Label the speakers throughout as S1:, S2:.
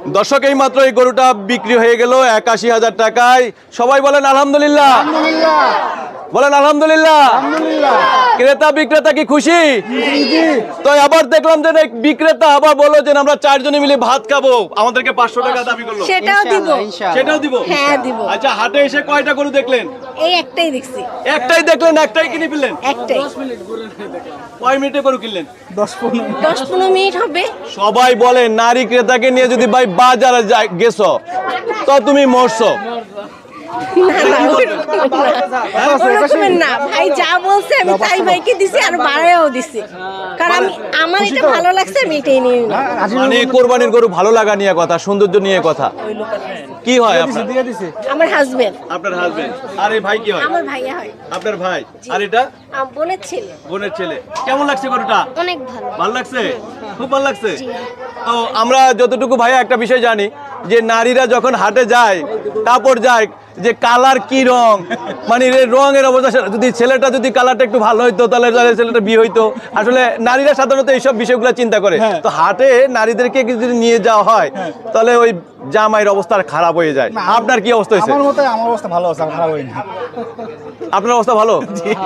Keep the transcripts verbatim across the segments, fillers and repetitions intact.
S1: দর্শক এই মাত্র এই গরুটা বিক্রি হয়ে গেল একাশি হাজার টাকায়। সবাই বলেন আলহামদুলিল্লাহ, বলেন আলহামদুলিল্লাহ। ক্রেতা বিক্রেতা কি খুশি? তো আবার দেখলাম যে বিক্রেতা আবার বললো যে আমরা চারজনে মিলে ভাত খাবো, আমাদেরকে পাঁচশো টাকা দাবি করলো।
S2: সেটাও দিব,
S1: সেটাও দিব।
S2: হ্যাঁ দিব।
S1: আচ্ছা, হাটে এসে কয়টা গরু দেখলেন?
S2: এই একটাই দেখছি।
S1: একটাই দেখলেন, একটাই কিনে ফেললেন?
S2: একটাই।
S1: কয় মিনিটে গরু কিনলেন?
S2: দশ পনেরো মিনিট হবে।
S1: সবাই বলে নারী ক্রেতাকে নিয়ে যদি ভাই বাজারে গেছো তো তুমি মরছো।
S2: না ভাই, যা বলছে আমি তাই ভাইকে দিছি আর বাড়াইও দিছি, কারণ আমি আমার এটা ভালো লাগছে আমি এটাই নিয়ে নিলাম।
S1: মানে কোরবানির গরু ভালো লাগা নিয়ে কথা, সৌন্দর্য নিয়ে কথা। কি হয় আপনার?
S2: আমার হাজবেন্ড।
S1: আপনার হাজবেন্ড। আর এই ভাই কি হয়?
S2: আমার ভাইয়া হয়।
S1: আপনার ভাই। আর এটা
S2: আমার বোনের ছেলে।
S1: বোনের ছেলে। কেমন লাগছে গরুটা?
S2: অনেক ভালো।
S1: ভালো লাগছে? খুব ভালো লাগছে। তো আমরা যতটুকু ভাইয়া একটা বিষয় জানি যে নারীরা যখন হাটে যায়, কাপড় যায় যে কালার কি রং, মানে রঙের অবস্থা, যদি ছেলেটা যদি কালারটা একটু ভালো হইতো তাহলে ছেলেটা বিয়ে হইতো। আসলে নারীরা সাধারণত এইসব বিষয়গুলো চিন্তা করে। তো হাটে নারীদেরকে যদি নিয়ে যাওয়া হয় তাহলে ওই জামাইয়ের অবস্থা খারাপ হয়ে যায়। আপনার কি অবস্থা হয়েছে?
S3: আমার মতে আমার অবস্থা ভালো আছে, খারাপ হয়নি।
S1: আপনার অবস্থা ভালো?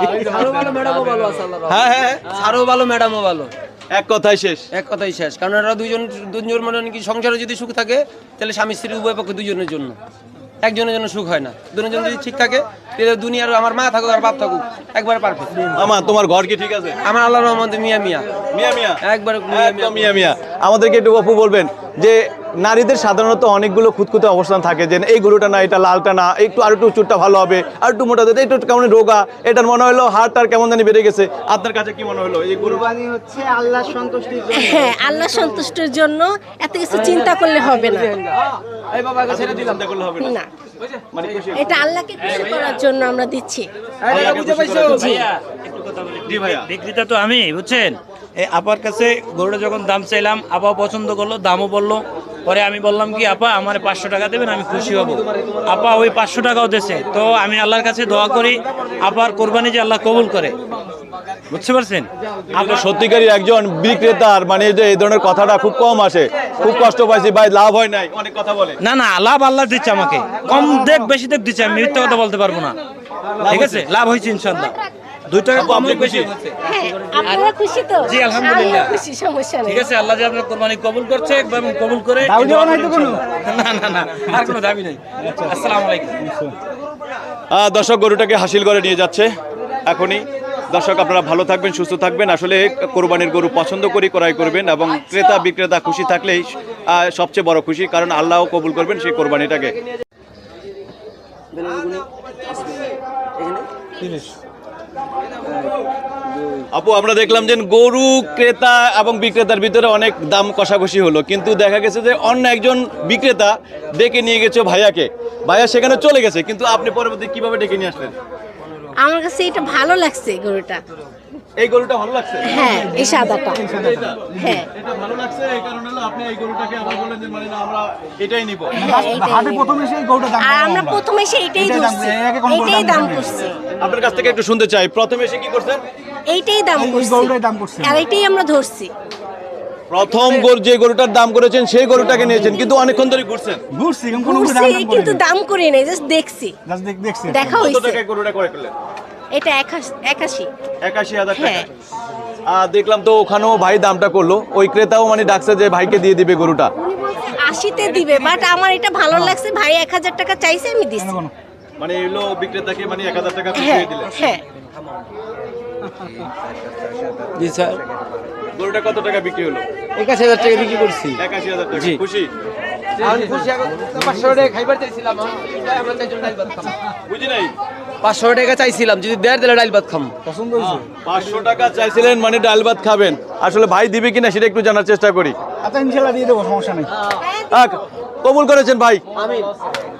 S1: হ্যাঁ হ্যাঁ,
S4: আরো ভালো, ম্যাডামও ভালো।
S1: এক কথাই শেষ।
S4: এক কথাই শেষ, কারণ এরা দুইজন দুজন মানে কি সংসারে যদি সুখ থাকে তাহলে স্বামী স্ত্রী উভয় পক্ষে দুজনের জন্য, একজনের জন্য সুখ হয় না। দুজন যদি ঠিক থাকে তাহলে দুনিয়ার আমার মা থাকুক আর বাপ থাকুক একবারে পারফেক্ট।
S1: আমা তোমার ঘর কি ঠিক আছে?
S4: আমার আল্লাহর রহমতে মিয়া মিয়া
S1: মিয়া মিয়া
S4: একবারে
S1: একদম মিয়া মিয়া। আমাদেরকে একটু অপু বলবেন যে নারীদের সাধারণত অনেকগুলো খুঁতখুঁতে অবস্থান থাকে, যে এই গরুটা না, এটা লালটা না, একটু আর একটু চুটটা ভালো হবে, আর একটু মোটা দিতে, একটু কেমন রোগা, এটার মনে হলো হাড়টার কেমন জানি বেড়ে গেছে। আপনার কাছে কি মনে হলো? এই
S5: কুরবানি হচ্ছে আল্লাহর সন্তুষ্টির জন্য।
S2: হ্যাঁ, আল্লাহ সন্তুষ্টির জন্য এত কিছু চিন্তা করলে হবে না।
S4: এই বাবাকে ছেড়ে দিলাম,
S1: চিন্তা করলে হবে না।
S2: না,
S1: মানে খুশি।
S2: এটা আল্লাহকে খুশি করার জন্য আমরা দিচ্ছি।
S4: বুঝে পাইছো?
S1: জি ভাইয়া।
S6: বিক্রেতা তো আমি, বুঝছেন। এই আপার কাছে গরুটা যখন দাম চাইলাম, আপা পছন্দ করলো, দামও বললো। পরে আমি বললাম কি আপা আমার পাঁচশো টাকা দেবেন, আমি খুশি হব। আপা ওই পাঁচশো টাকাও দিয়েছে। তো আমি আল্লাহর কাছে দোয়া করি আপার কোরবানি যে আল্লাহ কবুল করে, বুঝতে পারছেন।
S1: আপনার সত্যিকারই একজন বিক্রেতার মানে যে এই ধরনের কথাটা খুব কম আসে। খুব কষ্ট পাইছি ভাই, লাভ হয় নাই, অনেক কথা বলে।
S6: না না, লাভ আল্লাহ দিচ্ছে আমাকে, কম দেখ বেশি দেখ দিচ্ছে, আমি মিথ্যা কথা বলতে পারবো না। ঠিক আছে, লাভ হয়েছে ইনশাল্লাহ। দুই টাকা কম হোক বেশি।
S2: হ্যাঁ, আপনারা খুশি তো?
S6: জি, আলহামদুলিল্লাহ।
S2: আমিও খুশি, সমস্যা নেই।
S6: ঠিক আছে, আল্লাহ যে আপনার কোরবানি কবুল করছে এবং কবুল করে। না না না, আর কোনো দাবি নেই। আসসালামু আলাইকুম।
S1: আহ, দর্শক গরুটাকে হাসিল করে নিয়ে যাচ্ছে এখনই। দর্শক আপনারা ভালো থাকবেন, সুস্থ থাকবেন। আসলে কোরবানির গরু পছন্দ করি ক্রয় করবেন, এবং ক্রেতা বিক্রেতা খুশি থাকলেই আহ, সবচেয়ে বড় খুশি, কারণ আল্লাহও কবুল করবেন সেই কোরবানিটাকে। আপু, আমরা দেখলাম যে গরু ক্রেতা এবং বিক্রেতার ভিতরে অনেক দাম কষাকষি হলো, কিন্তু দেখা গেছে যে অন্য একজন বিক্রেতা ডেকে নিয়ে গেছে ভাইয়াকে, ভাইয়া সেখানে চলে গেছে, কিন্তু আপনি পরবর্তী কিভাবে ডেকে নিয়ে আসলেন?
S2: আমার কাছে এটা ভালো লাগছে গরুটা।
S1: এই গরুটা ভালো লাগছে?
S2: হ্যাঁ, এই সাদাটা।
S1: এটা?
S2: হ্যাঁ,
S1: এটা ভালো লাগছে, এই কারণে হলো আপনি এই গরুটাকে আবার বললেন যে মানে না আমরা এটাই নিব।
S2: হ্যাঁ, এইটাই
S3: হাটে
S2: নিবো।
S3: প্রথমে সেই গরুটা দাম
S2: আর আমরা প্রথমে এসে এইটাই
S3: এটাই দাম
S2: ধরছি,
S3: করে, একে কোনো গরুর
S2: এইটাই
S3: দাম
S2: দাম
S3: করে না।
S2: করছি,
S1: আপনার কাছ থেকে একটু শুনতে চাই, প্রথমে এসে কি করছেন?
S2: এইটাই দাম
S3: এই
S2: করছি,
S3: গরুটাই দাম করছি।
S2: আর এইটাই আমরা ধরছি।
S1: প্রথম গরু যে গরুটার দাম করেছেন সেই গরুটাকে নিয়েছেন, কিন্তু অনেকক্ষণ ধরে ঘুরছেন।
S3: ঘুরছি কিন্তু কোনো
S2: ঘুরছি,
S3: দাম দাম করে
S2: কিন্তু দাম করি নাই, জাস্ট দেখছি,
S3: জাস্ট দেখ দেখছি
S2: দেখা
S1: কত
S2: হইছে।
S1: টাকায় গরুটা করে ফেললেন?
S2: এটা একাশি একাশি।
S1: একাশি হাজার টাকা।
S2: হ্যাঁ।
S1: আহ, দেখলাম তো ওখানেও ভাই দামটা করলো, ওই ক্রেতাও মানে ডাকছে যে ভাইকে দিয়ে দিবে গরুটা।
S2: আশিতে দিবে, বাট আমার এটা ভালো লাগছে, ভাই এক হাজার টাকা চাইছে আমি দিছি।
S1: মানে এলো বিক্রেতাকে মানে এক হাজার টাকা
S2: হ্যাঁ
S1: দিয়ে দিলেন।
S2: হ্যাঁ,
S4: জি স্যার,
S1: গরুটা কত টাকা বিক্রি হলো?
S4: একাশি হাজার টাকা বিক্রি করছি।
S1: একাশি হাজার টাকা।
S4: জি।
S1: খুশি?
S4: আমি খুশি, এখন পাঁচশো টাকা খাইবার চাইছিলাম, আমরা চাইছিলাম ডাল ভাত খাম।
S1: বুঝি নাই?
S4: পাঁচশো টাকা চাইছিলাম, যদি দেড় দিলে ডাল ভাত খাম।
S3: পছন্দ হয়েছে।
S1: পাঁচশো টাকা চাইছিলেন মানে ডাল ভাত খাবেন। আসলে ভাই দিবে কিনা সেটা একটু জানার চেষ্টা করি।
S3: আচ্ছা ইনশাল্লাহ দিয়ে দেবো, সমস্যা নেই।
S1: আহ, কবুল করেছেন ভাই।
S4: আমি